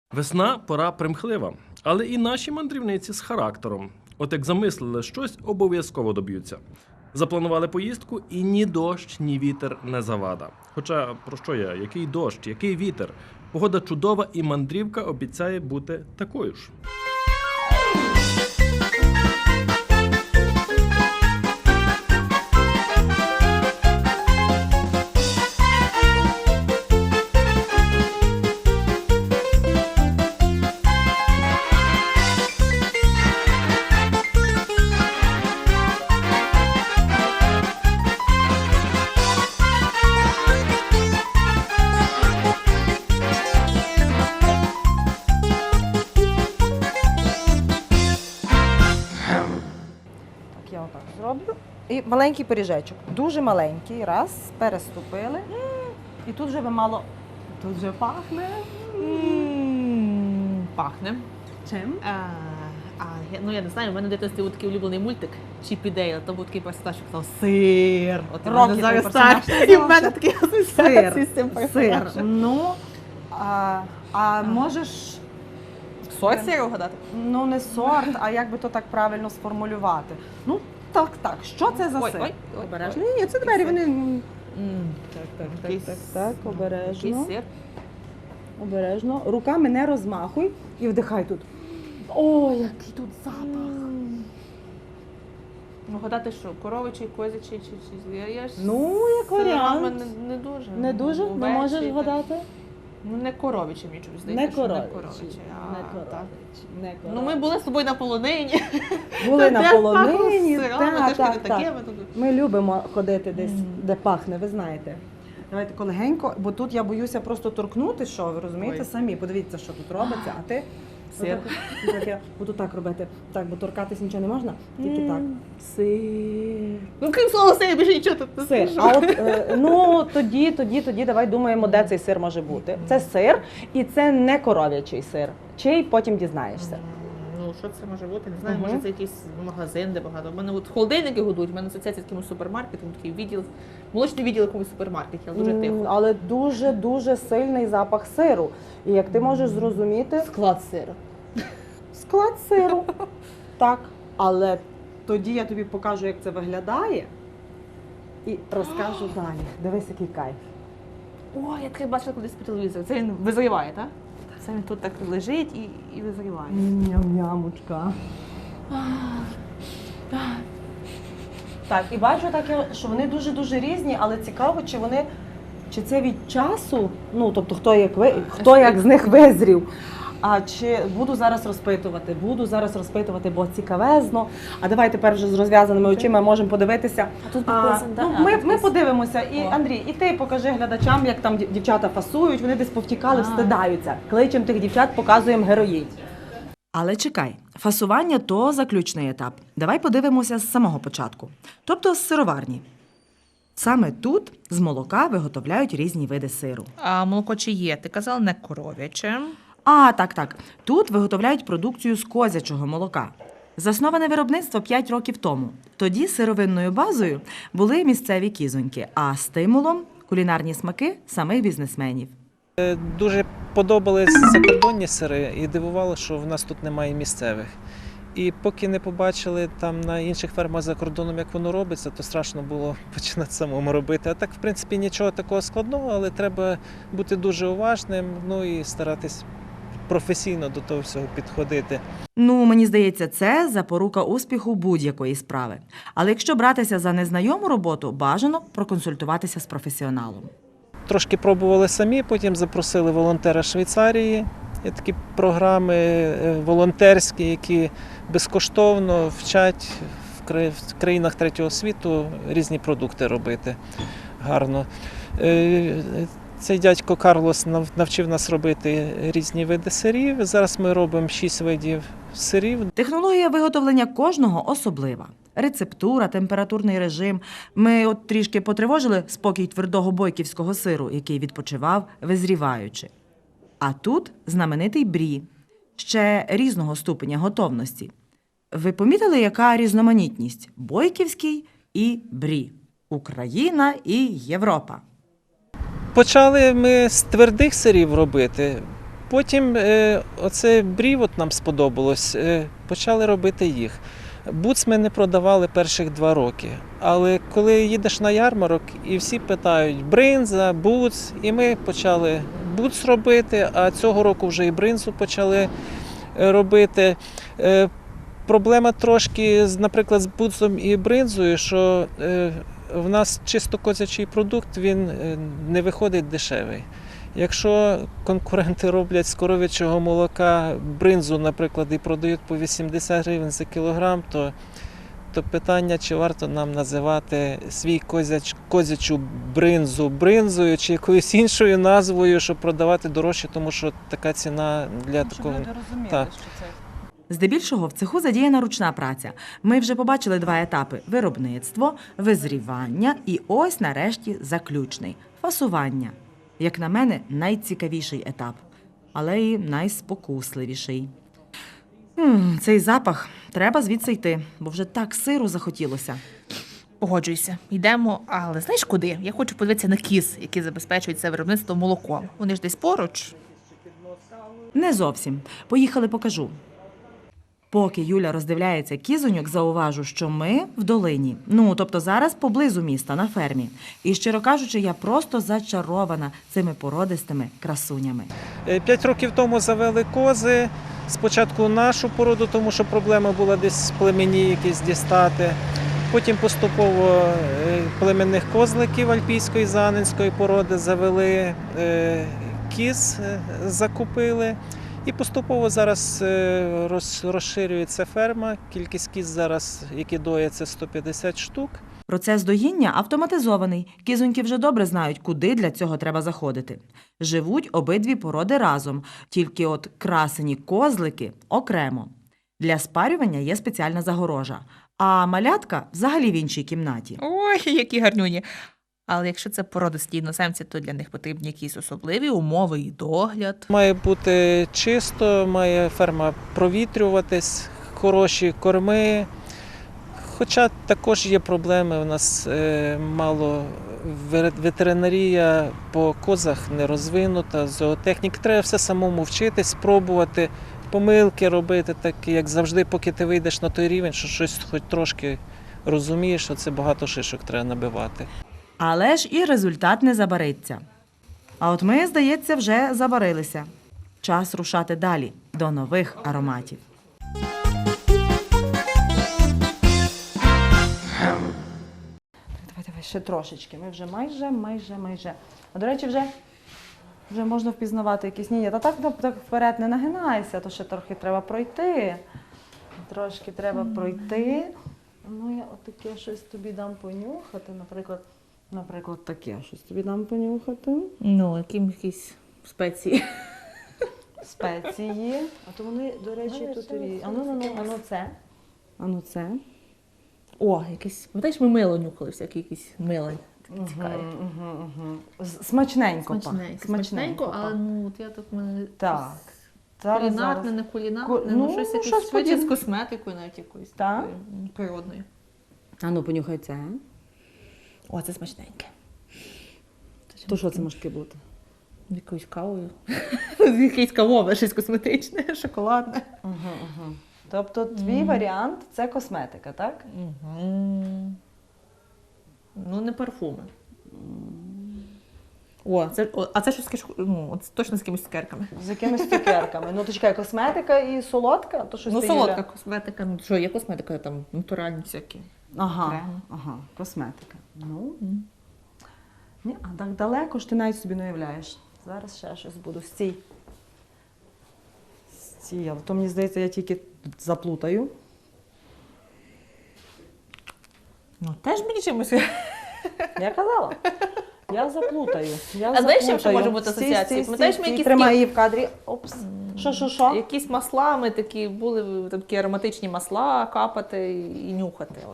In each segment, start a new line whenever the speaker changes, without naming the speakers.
Весна – пора примхлива, але і наші мандрівниці з характером. От як замислили щось, обов'язково доб'ються. Запланували поїздку і ні дощ, ні вітер не завада. Хоча, про що я? Який дощ, який вітер? Погода чудова і мандрівка обіцяє бути такою ж.
Я отак зроблю. І маленький пиріжечок. Дуже маленький. Раз, переступили. І тут вже ви мало. Тут вже пахне.
Пахне.
Чим?
Я не знаю, в мене в дитинстві був такий улюблений мультик Чіп і Дейл, там був такий персонаж, що казав сир. От і в мене
Рокі
зараз
той персонаж
так. І в мене
називався.
такий асоціації з цим
Сир.
персонажем.
Ну, можеш,
Сорт сиру вгадати?
ну не сорт, а як би то так правильно сформулювати. Ну, так. Що це за сир?
Ой, обережно.
Ні, це двері, вони...
Якийсь-
Так,
Який
обережно.
сир?
Обережно. Руками не розмахуй і вдихай тут. О, який тут запах.
Ну, гадати що, коровичий, козячий чи я ж
Ну, як
сирами
варіант.
не дуже.
Не дуже? Не
Овечий,
можеш
так.
вгадати?
Ну, не коровичий, мені чомусь здається,
Не
що
коровичий.
так.
Не
Ну, ми були з тобою на полонині.
були на
Де
полонині.
пахло сирами,
Так,
трошки не
так,
таке,
так.
ми тут-
Ми любимо ходити десь, де пахне, ви знаєте. Давайте колегенько, бо тут я боюся просто торкнути, що ви розумієте
Ой.
самі. Подивіться, що тут робиться, а ти
Сир.
отак, я буду так робити. Так, бо торкатись нічого не можна, тільки так. Сир.
Ну, крім слова сир, більше нічого тут не
Сир.
скажу.
А от ну тоді давай думаємо, де цей сир може бути. Це сир, і це не коров'ячий сир. Чий потім дізнаєшся.
Ну, що це може бути? Не знаю,
Мгм.
може це якийсь магазин, де багато. У мене от холодильники годують, у мене асоціація з якимось супермаркетом, такий відділ, молочний відділ якомусь супермаркеті, але дуже тихо.
Але дуже сильний запах сиру. І як ти можеш зрозуміти,
Склад сиру.
склад сиру. Так. Але тоді я тобі покажу, як це виглядає, і розкажу далі. Дивись, який кайф.
О, я таке бачила колись по телевізору. Це він визріває, так? Це він тут так лежить і визріває.
Ням-нямочка. Так, і бачу таке, що вони дуже різні, але цікаво, чи це від часу, ну тобто хто як з них визрів. А чи буду зараз розпитувати, бо цікавезно. А давай тепер вже з розв'язаними очима можемо подивитися.
А тут підписано, да?
Ну,
А,
ми
тут
подивимося. І
О.
Андрій, і ти покажи глядачам, як там дівчата фасують, вони десь повтікали, встидаються. Кличемо тих дівчат, показуємо героїнь. Але чекай, фасування – то заключний етап. Давай подивимося з самого початку. Тобто з сироварні. Саме тут з молока виготовляють різні види сиру.
А молоко чи є? Ти казала не коров'яче.
Так. Тут виготовляють продукцію з козячого молока. Засноване виробництво 5 років тому. Тоді сировинною базою були місцеві кізоньки, а стимулом – кулінарні смаки самих бізнесменів.
Дуже подобались закордонні сири і дивувало, що в нас тут немає місцевих. І поки не побачили там на інших фермах за кордоном, як воно робиться, то страшно було починати самому робити. А так, в принципі, нічого такого складного, але треба бути дуже уважним, ну і старатись професійно до того всього підходити.
Ну, мені здається, це запорука успіху будь-якої справи. Але якщо братися за незнайому роботу, бажано проконсультуватися з професіоналом.
Трошки пробували самі, потім запросили волонтера з Швейцарії. Є такі програми волонтерські, які безкоштовно вчать в країнах третього світу різні продукти робити гарно. Цей дядько Карлос навчив нас робити різні види сирів. Зараз ми робимо 6 видів сирів.
Технологія виготовлення кожного особлива. Рецептура, температурний режим. Ми от трішки потривожили спокій твердого бойківського сиру, який відпочивав, визріваючи. А тут знаменитий брі, ще різного ступеня готовності. Ви помітили, яка різноманітність? Бойківський і брі. Україна і Європа.
Почали ми з твердих сирів робити. Потім оце брів от нам сподобалось, почали робити їх. Буц ми не продавали перших 2 роки, але коли їдеш на ярмарок і всі питають бринза, буц, і ми почали буц робити, а цього року вже і бринзу почали робити. Проблема трошки, наприклад, з буцом і бринзою, що в нас чисто козячий продукт, він не виходить дешевий. Якщо конкуренти роблять з коров'ячого молока бринзу, наприклад, і продають по 80 гривень за кілограм, то питання, чи варто нам називати свій козячу бринзу бринзою чи якоюсь іншою назвою, щоб продавати дорожче, тому що така ціна для такого. Так.
Здебільшого в цеху задіяна ручна праця. Ми вже побачили 2 етапи – виробництво, визрівання і ось нарешті заключний – фасування. Як на мене, найцікавіший етап, але і найспокусливіший. Цей запах. Треба звідси йти, бо вже так сиру захотілося.
Погоджуюся. Йдемо, але знаєш куди? Я хочу подивитися на кіз, які забезпечують це виробництво молоком. Вони ж десь поруч.
Не зовсім. Поїхали, покажу. Поки Юля роздивляється кізоньок, зауважу, що ми в долині. Тобто зараз поблизу міста, на фермі. І, щиро кажучи, я просто зачарована цими породистими красунями.
5 років тому завели кози. Спочатку нашу породу, тому що проблема була десь з племені якісь дістати. Потім поступово племенних козликів альпійської занинської породи завели, кіз закупили. І поступово зараз розширюється ферма. Кількість кіз зараз, які доять, це 150 штук.
Процес доїння автоматизований. Кізоньки вже добре знають, куди для цього треба заходити. Живуть обидві породи разом, тільки от красені козлики окремо. Для спарювання є спеціальна загорожа, а малятка взагалі в іншій кімнаті.
Ой, які гарнюні. Але якщо це породисті іноземці, то для них потрібні якісь особливі умови і догляд.
Має бути чисто, має ферма провітрюватись, хороші корми. Хоча також є проблеми, у нас мало ветеринарія по козах не розвинута, зоотехнік. Треба все самому вчитись, спробувати, помилки робити, так як завжди, поки ти вийдеш на той рівень, що щось хоч трошки розумієш, що це багато шишок треба набивати.
Але ж і результат не забариться. А от ми, здається, вже забарилися. Час рушати далі, до нових ароматів. Давай, ще трошечки. Ми вже майже. А, до речі, вже можна впізнавати якісь. Ні, так вперед не нагинайся, то ще трохи треба пройти. Трошки треба пройти. Ну, я отаке щось тобі дам понюхати, наприклад, таке щось тобі дам понюхати.
Ну, якісь спеції.
Спеції. А то вони, до речі, тут і... Ану це.
О, якесь. Пам'ятаєш, ми мило нюхали, всякі якісь мило. Цікаві.
Смачненько.
Смачненько, але от я тут мене.
Так.
Кулінарне, не кулінарне, щось якесь швидше з косметикою, навіть якоюсь такою природною.
Ану, понюхай це.
О, це смачненьке.
То що це може бути?
Якоюсь кавою. Якесь кавове, щось косметичне, шоколадне.
Тобто твій варіант – це косметика, так?
Ну, не парфуми. А це щось точно з якимись цукерками.
З якимись цукерками. Ну, то чекай, косметика і солодка? То щось
Ну,
ти,
солодка
Юля?
косметика. Ну, що, є косметика, там натуральні всякі.
Ага, косметика. Ну, ні, а так далеко ж ти навіть собі не уявляєш. Зараз ще щось буду. Стій, але то, мені здається, я тільки заплутаю.
Ну, теж мені чимось.
Я казала. Я заплутаю.
А знаєш, чим ще може бути асоціація? Пам'ятаєш, ми якісь
тримай її в кадрі. Опс. Що?
Якісь маслами такі були, такі ароматичні масла капати і нюхати. От.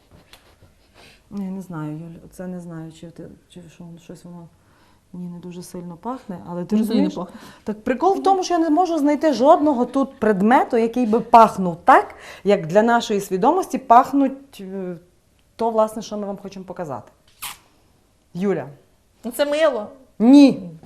Я не знаю, Юль, це не знаю, чи щось воно мені не дуже сильно пахне, але ти розумієш? Так прикол в тому, що я не можу знайти жодного тут предмету, який би пахнув так, як для нашої свідомості пахнуть то, власне, що ми вам хочемо показати. Юля.
Ну це мило.
Ні.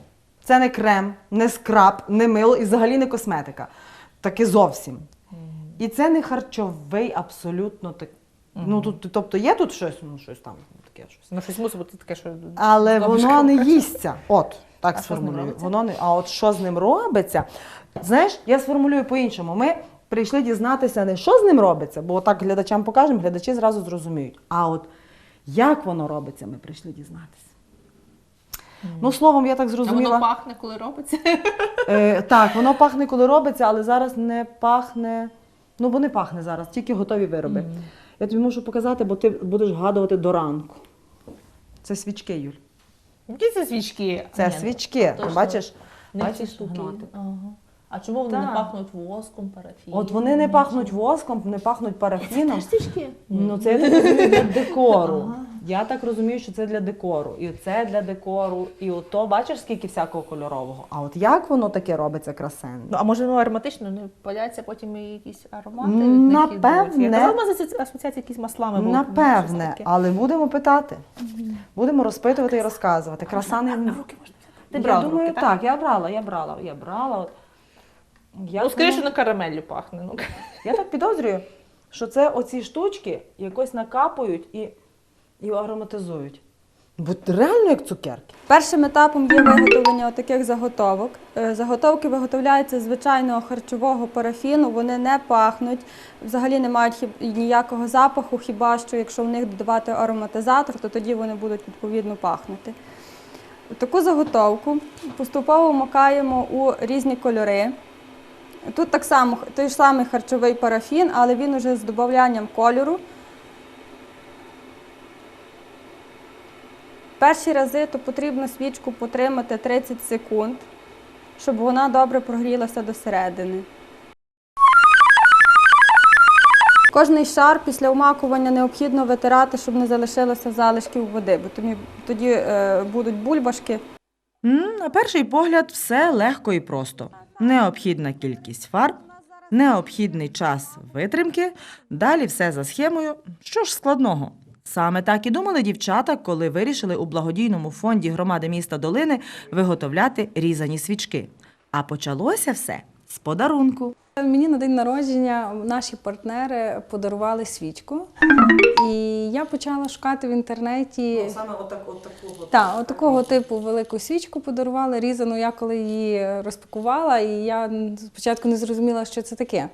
Це не крем, не скраб, не мило і взагалі не косметика. Таке зовсім. І це не харчовий абсолютно так. Ну, тут, тобто є тут щось, ну, щось там таке щось.
Ну, щось мусить бути таке, що...
Але
Добре,
воно
що
не
кажуть.
їсться. От, так
А що з ним
сформулюю.
робиться?
Воно не, а от що з ним робиться? Знаєш, я сформулюю по-іншому. Ми прийшли дізнатися не що з ним робиться, бо так глядачам покажемо, глядачі зразу зрозуміють. А от як воно робиться, ми прийшли дізнатися. Ну, словом, я так
А
зрозуміла.
воно пахне, коли робиться?
Так, воно пахне, коли робиться, але зараз не пахне. Ну, бо не пахне зараз, тільки готові вироби. Я тобі можу показати, бо ти будеш вгадувати до ранку. Це свічки, Юль.
Які це свічки?
Це
Ні,
свічки.
точно.
Бачиш?
Не ці
Бачиш,
штуки.
гноти.
Ага. А чому вони не
Так.
пахнуть воском, парафіном?
От вони не пахнуть воском, не пахнуть парафіном.
Це свічки?
Ну, це я так розумію для декору. Я так розумію, що це для декору. І це для декору. І ото, бачиш, скільки всякого кольорового. А от як воно таке робиться красенно?
Ну, а може воно ароматично, не паляться потім і якісь аромати?
Напевне.
Я казала, асоціація якісь маслами. було, щось
Напевне,
таке.
але будемо питати. Будемо розпитувати і розказувати. Краса не...
А в руки можна взяти? Ти
Я
брала в
думаю,
руки,
так, я брала. От. Як
Ну, скоріше
воно-
на карамеллю пахне. Ну.
Я так підозрюю, що це оці штучки якось накапують і ароматизують. Бо реально як цукерки.
Першим етапом є виготовлення таких заготовок. Заготовки виготовляються з звичайного харчового парафіну, вони не пахнуть, взагалі не мають ніякого запаху, хіба що якщо в них додавати ароматизатор, то тоді вони будуть відповідно пахнути. Таку заготовку поступово макаємо у різні кольори. Тут так само той ж самий харчовий парафін, але він уже з додаванням кольору. Перші рази то потрібно свічку потримати 30 секунд, щоб вона добре прогрілася до середини. Кожний шар після умакування необхідно витирати, щоб не залишилося залишків води, бо тоді будуть бульбашки.
На перший погляд все легко і просто. Необхідна кількість фарб, необхідний час витримки, далі все за схемою. Що ж складного? Саме так і думали дівчата, коли вирішили у благодійному фонді громади міста Долини виготовляти різані свічки. А почалося все з подарунку.
Мені на день народження наші партнери подарували свічку, і я почала шукати в інтернеті.
Саме отакого.
Так, такого типу велику свічку подарували, різану. Я коли її розпакувала, і я спочатку не зрозуміла, що це таке.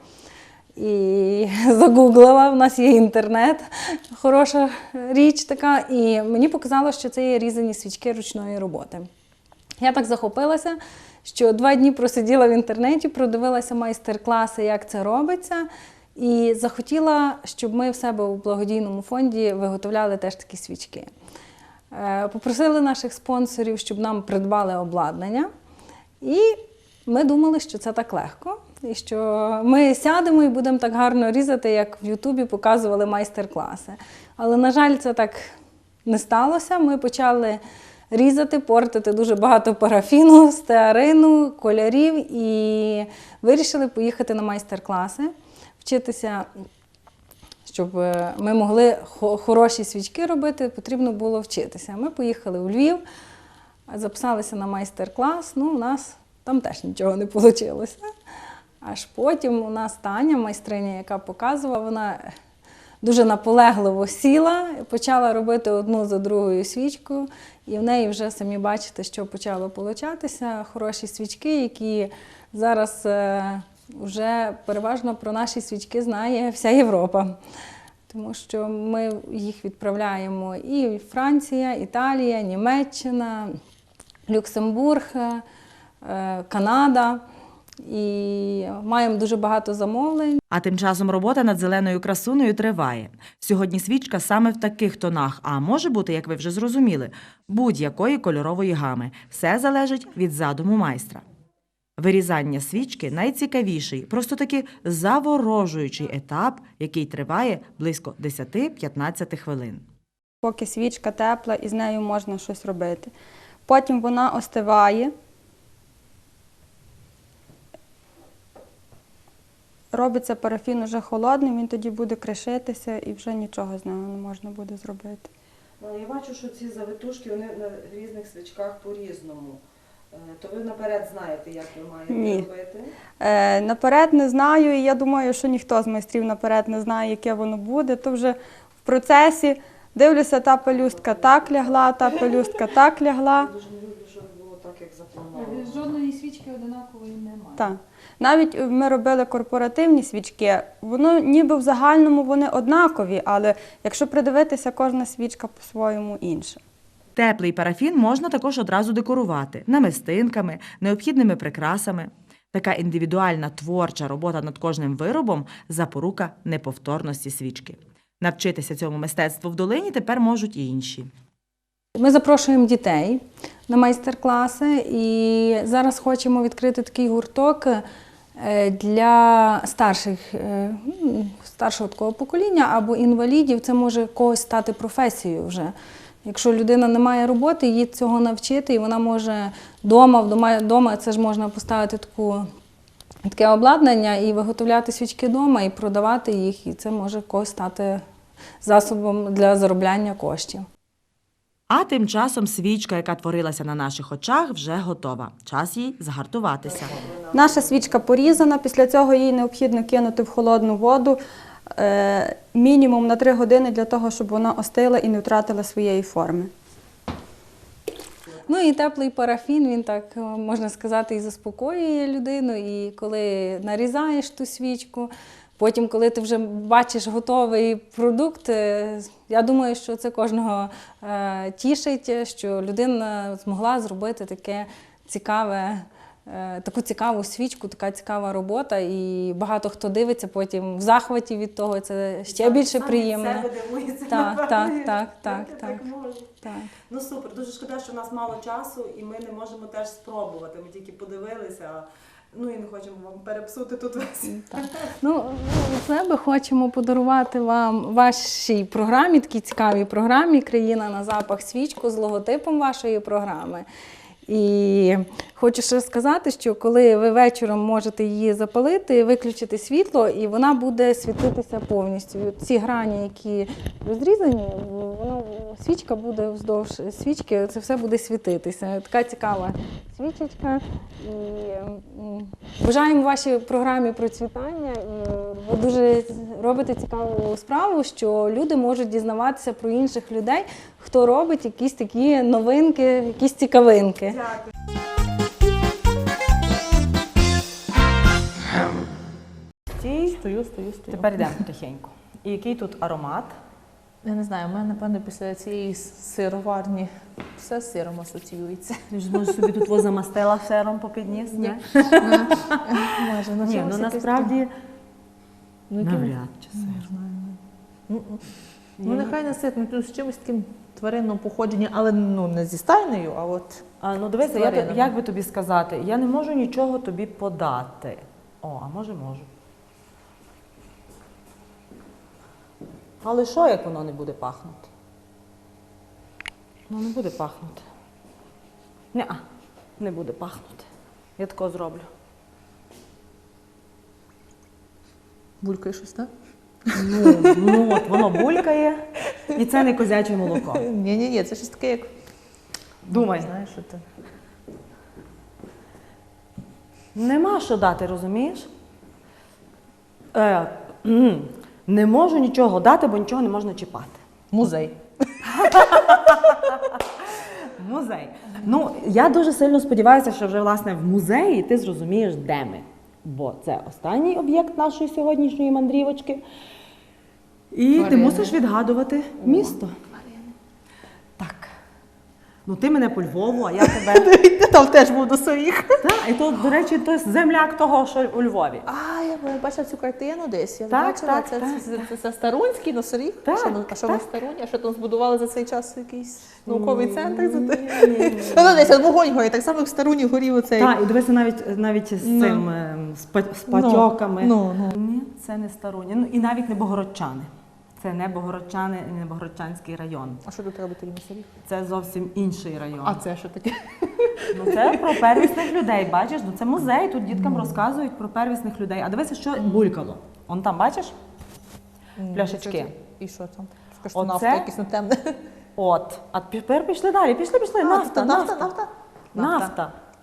І загуглила, в нас є інтернет, хороша річ така, і мені показало, що це є різані свічки ручної роботи. Я так захопилася, що 2 дні просиділа в інтернеті, продивилася майстер-класи, як це робиться, і захотіла, щоб ми в себе у благодійному фонді виготовляли теж такі свічки. Попросили наших спонсорів, щоб нам придбали обладнання, і ми думали, що це так легко, і що ми сядемо і будемо так гарно різати, як в Ютубі показували майстер-класи. Але, на жаль, це так не сталося. Ми почали різати, портити дуже багато парафіну, стеарину, кольорів і вирішили поїхати на майстер-класи, вчитися, щоб ми могли хороші свічки робити, потрібно було вчитися. Ми поїхали у Львів, записалися на майстер-клас, ну, у нас там теж нічого не вийшло. Аж потім у нас Таня, майстриня, яка показувала, вона дуже наполегливо сіла, почала робити одну за другою свічку, і в неї вже, самі бачите, що почало получатися. Хороші свічки, які зараз вже переважно про наші свічки знає вся Європа. Тому що ми їх відправляємо і Франція, Італія, Німеччина, Люксембург, Канада. І маємо дуже багато замовлень.
А тим часом робота над зеленою красунею триває. Сьогодні свічка саме в таких тонах, а може бути, як ви вже зрозуміли, будь-якої кольорової гами. Все залежить від задуму майстра. Вирізання свічки – найцікавіший, просто таки заворожуючий етап, який триває близько 10-15 хвилин.
Поки свічка тепла, і з нею можна щось робити. Потім вона остиває. Робиться парафін уже холодним, він тоді буде кришитися і вже нічого з нього не можна буде зробити.
Я бачу, що ці завитушки вони на різних свічках по-різному. То ви наперед знаєте, як ви маєте
Ні.
робити?
Наперед не знаю, і я думаю, що ніхто з майстрів наперед не знає, яке воно буде. То вже в процесі дивлюся, та пелюстка так лягла, та пелюстка так лягла.
Дуже не люблю, щоб було так, як заплановано.
Жодної свічки одинакової немає.
Так. Навіть ми робили корпоративні свічки, воно ніби в загальному вони однакові, але якщо придивитися, кожна свічка по-своєму інша.
Теплий парафін можна також одразу декорувати намистинками, необхідними прикрасами. Така індивідуальна творча робота над кожним виробом – запорука неповторності свічки. Навчитися цьому мистецтву в долині тепер можуть і інші.
Ми запрошуємо дітей на майстер-класи і зараз хочемо відкрити такий гурток для старшого такого покоління або інвалідів. Це може когось стати професією вже. Якщо людина не має роботи, її цього навчити, і вона може вдома це ж можна поставити таке обладнання і виготовляти свічки вдома, і продавати їх, і це може когось стати засобом для заробляння коштів.
А тим часом свічка, яка творилася на наших очах, вже готова. Час їй загартуватися.
Наша свічка порізана, після цього її необхідно кинути в холодну воду мінімум на 3 години для того, щоб вона остила і не втратила своєї форми. Ну і теплий парафін, він так, можна сказати, і заспокоює людину. І коли нарізаєш ту свічку, потім, коли ти вже бачиш готовий продукт, я думаю, що це кожного тішить, що людина змогла зробити таке цікаве, таку цікаву свічку, така цікава робота. І багато хто дивиться потім в захваті від того, це ще більше приємно.
Себе дивується,
Так.
так можуть.
Так.
Ну супер, дуже шкода, що в нас мало часу і ми не можемо теж спробувати. Ми тільки подивилися, ну і не хочемо вам перепсути тут весь.
Так. Ну, від себе хочемо подарувати вам вашій програмі, такій цікавій програмі «Країна на запах» свічку з логотипом вашої програми. І хочу ще сказати, що коли ви вечором можете її запалити, виключити світло, і вона буде світитися повністю. І ці грані, які розрізані, свічка буде вздовж свічки, це все буде світитися. Така цікава свічечка. І бажаємо вашій програмі процвітання. І ви дуже робите цікаву справу, що люди можуть дізнаватися про інших людей, хто робить якісь такі новинки, якісь цікавинки.
Стою.
Тепер йдемо потихеньку. І який тут аромат?
Я не знаю, у мене, напевно, після цієї сироварні все з сиром асоціюється.
Ти ж може собі тут замастила сиром по підніс?
Ні. Може,
Ні, ну насправді навряд чи сир.
Ну, нехай не сир, ну, з чимось таким тваринного походження, але ну, не зі стайнею, а от...
Ну дивися,
тваринами.
як би тобі сказати, я не можу нічого тобі подати. А може можу. Але що, як воно не буде пахнути? Ну не буде пахнути. Не буде пахнути. Я тако зроблю.
Булькає щось, так?
Ну от воно булькає, і це не козяче молоко.
Ні, це щось таке, як...
Думай.
Знаєш, що ти...
Нема що дати, розумієш? Не можу нічого дати, бо нічого не можна чіпати.
Музей.
Музей. Ну, я дуже сильно сподіваюся, що вже, власне, в музеї ти зрозумієш, де ми. Бо це останній об'єкт нашої сьогоднішньої мандрівочки. І ти
Тварини.
мусиш відгадувати місто. Так. Ну, ти мене по Львову, а я тебе...
Ти там теж був до своїх.
Так, і то, до речі, то земляк того, що у Львові.
Я бачила цю картину десь. Я
Так,
бачила,
так,
це Старунський, Носоріг.
Так,
А що
так.
на Старуні? А що там збудували за цей час якийсь науковий центр?
Ні.
Ну, десь вогонь горить, так само як в Старуні горів оцей.
Так, і дивися навіть з цим, з патьоками.
Ну.
Ні, це не Старуні. Ну, і навіть не Богородчани. Це не Богородчани і не Богородчанський район.
А що тут робить тоді Носоріг?
Це зовсім інший район.
А це що таке?
Ну, це про первісних людей, бачиш? Ну, це музей, тут діткам розказують про первісних людей. А дивися, що булькало. Он там, бачиш? Пляшечки.
І що там? Скажи, що
Оце?
нафта якась не темне.
От. А тепер пішли далі. Пішли. Нафта.
Нафта.
Нафта.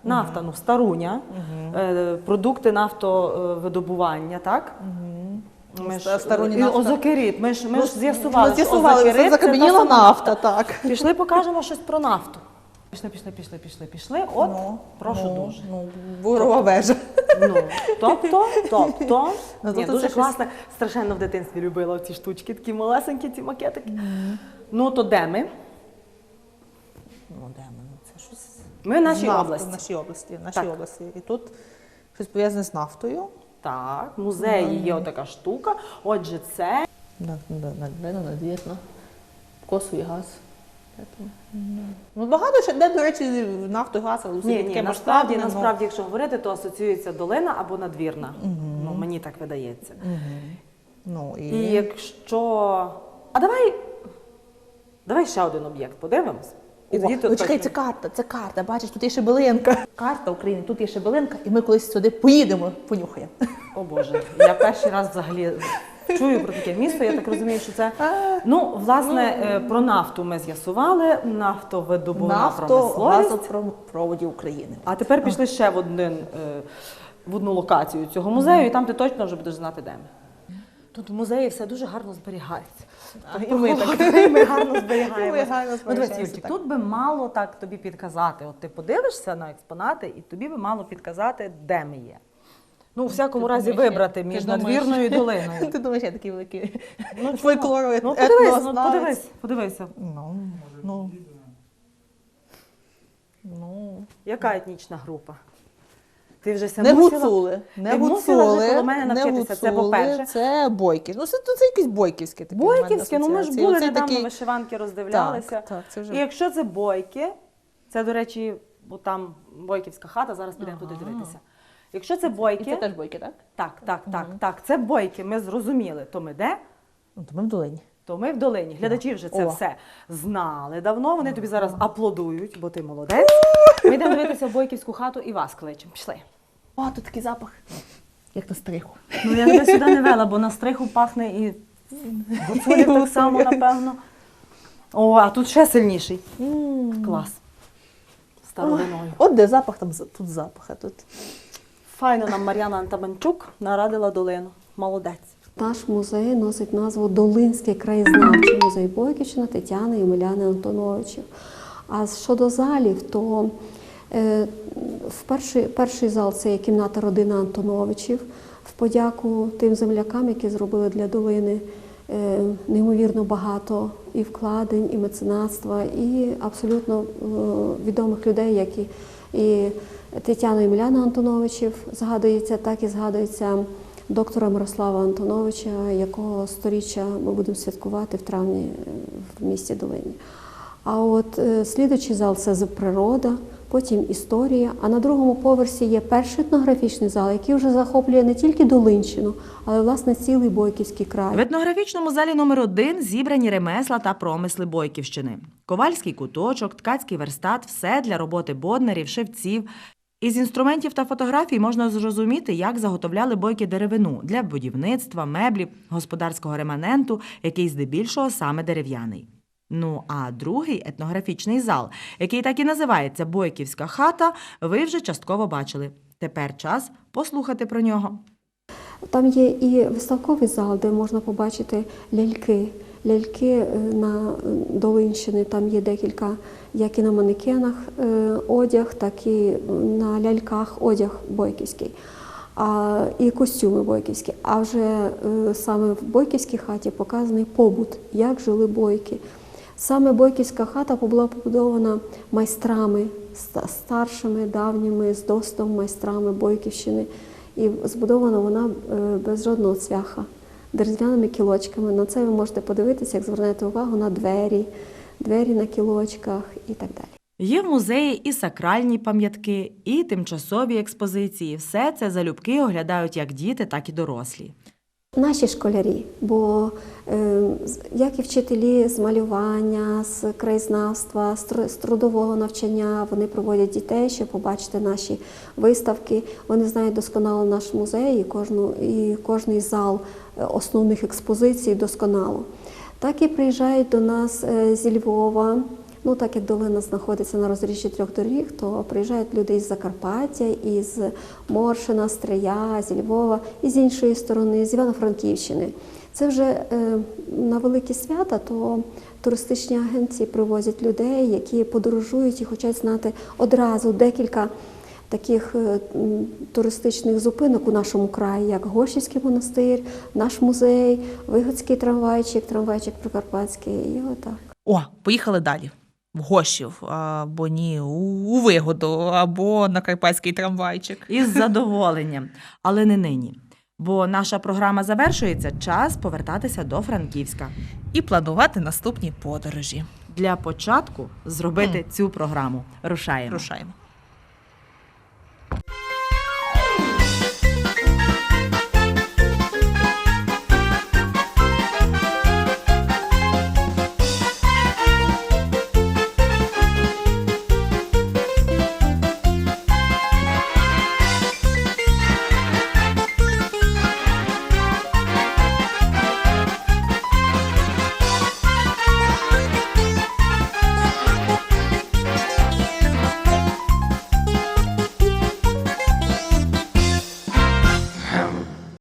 Нафта, ну, старуня, продукти нафтовидобування, так? Ми ж,
Старуні
і
нафта.
озокерит, ми ж з'ясували, що
З'ясували,
озокерит
це
це
закам'яніла
та сама
нафта, так.
Пішли, покажемо щось про нафту. Пішли. От, прошу дуже.
Ну, бурова вежа.
Ну, тобто,
Ну,
ні,
це
дуже
щось-
класно. Страшенно в дитинстві любила ці штучки, такі малесенькі, ці макетики. Ну, то де ми?
Ну, де ми? Це щось...
Ми в нашій
Нафта,
області.
В нашій області,
Так.
І тут щось пов'язане з нафтою.
Так, в музеї є отака штука. Отже, це
Надвірно. Косовий газ. Ну, багато ще, де, до речі, нафту і газ, але все
ні,
таке
насправді,
масштабне, ну.
якщо говорити, то асоціюється долина або надвірна. Ну, мені так видається.
Ну,
І якщо. А давай ще один об'єкт подивимось. І тоді
Ну, чекай, це карта, бачиш, тут є шебелинка. Карта України, тут є шебелинка, і ми колись сюди поїдемо, понюхаємо.
О Боже, я перший раз взагалі чую про таке місто, я так розумію, що це. Ну, власне, про нафту ми з'ясували, нафтовидобувна промисловість.
Газопроводів України.
А тепер пішли ще в одну локацію цього музею, і там ти точно вже будеш знати, де ми. Тут в музеї все дуже гарно зберігається.
І ми так.
Ми гарно зберігаємо.
Ми гарно
Ну, дивись,
зберігаємося,
Юльчик,
так.
тут би мало так тобі підказати. От ти подивишся на експонати, і тобі би мало підказати, де ми є. Ну, у всякому разі, вибрати між надвірною і долиною.
Ти думаєш, я такий великий
Ну,
фольклоровий
Ну, подивися.
Ну,
Яка етнічна група? Ти вже
не
мусила-
гуцули,
ти мусила вже коло мене навчитися, це по-перше.
Це бойки. Ну, це якісь бойківське таке.
Бойківське, ну ми ж були
Оце
недавно,
такі-
вишиванки роздивлялися.
Так, це вже...
І якщо це бойки, це, до речі, бо там бойківська хата, зараз підемо туди дивитися. Якщо це
І
бойки,
це теж бойки, так?
так, це бойки, ми зрозуміли, то ми де?
Ну, то ми в долині.
То ми в долині. Глядачі вже це
О.
все знали давно, вони тобі зараз аплодують, бо ти молодець. Ми йдемо дивитися в бойківську хату і вас кличемо. Пішли.
О, тут такий запах, як на стриху.
Ну я тебе сюди не вела, бо на стриху пахне і гуцулів так само, напевно. О, а тут ще сильніший. Клас. Старовиною.
От де запах, там тут запах, а тут...
Файно нам Мар'яна Антаманчук нарадила долину. Молодець.
Наш музей носить назву Долинський краєзнавчий музей Бойківщина Тетяни і Омеляни Антоновичів. А щодо залів, то перший зал – це є кімната родини Антоновичів. В подяку тим землякам, які зробили для долини неймовірно багато і вкладень, і меценатства, і абсолютно відомих людей, як і Тетяна і Омеляна Антоновичів згадується, так і згадується доктора Мирослава Антоновича, якого сторіччя ми будемо святкувати в травні в місті Долині. А от слідуючий зал – це природа, потім історія, а на другому поверсі є перший етнографічний зал, який вже захоплює не тільки Долинщину, але, власне, цілий Бойківський край.
В етнографічному залі номер 1 зібрані ремесла та промисли Бойківщини. Ковальський куточок, ткацький верстат – все для роботи боднерів, шевців. Із інструментів та фотографій можна зрозуміти, як заготовляли бойки деревину для будівництва, меблів, господарського реманенту, який здебільшого саме дерев'яний. Ну, а другий етнографічний зал, який так і називається «Бойківська хата», ви вже частково бачили. Тепер час послухати про нього.
Там є і виставковий зал, де можна побачити ляльки. Ляльки на Долинщини, там є декілька, як і на манекенах одяг, так і на ляльках одяг бойківський, і костюми бойківські. А вже саме в бойківській хаті показаний побут, як жили бойки. Саме бойківська хата була побудована майстрами, старшими, давніми, з досвідом майстрами Бойківщини. І збудована вона без жодного цвяха, дерев'яними кілочками. На це ви можете подивитися, як звернете увагу на двері на кілочках і так далі.
Є в музеї і сакральні пам'ятки, і тимчасові експозиції. Все це залюбки оглядають як діти, так і дорослі.
Наші школярі, бо як і вчителі з малювання, з краєзнавства, з трудового навчання, вони проводять дітей, щоб побачити наші виставки. Вони знають досконало наш музей і кожний зал основних експозицій досконало. Так і приїжджають до нас зі Львова Ну, так як долина знаходиться на розріжжі 3 доріг, то приїжджають люди із Закарпаття, із Моршина, Стрия, зі Львова, і з іншої сторони, з Івано-Франківщини. Це вже на великі свята, то туристичні агенції привозять людей, які подорожують і хочуть знати одразу декілька таких туристичних зупинок у нашому краї, як Гощівський монастир, наш музей, Вигодський трамвайчик Прикарпатський, і отак.
О, поїхали далі. В Гощів, або ні, у Вигоду, або на карпатський трамвайчик.
Із задоволенням, але не нині. Бо наша програма завершується, час повертатися до Франківська.
І планувати наступні подорожі.
Для початку зробити цю програму. Рушаємо.
Рушаємо.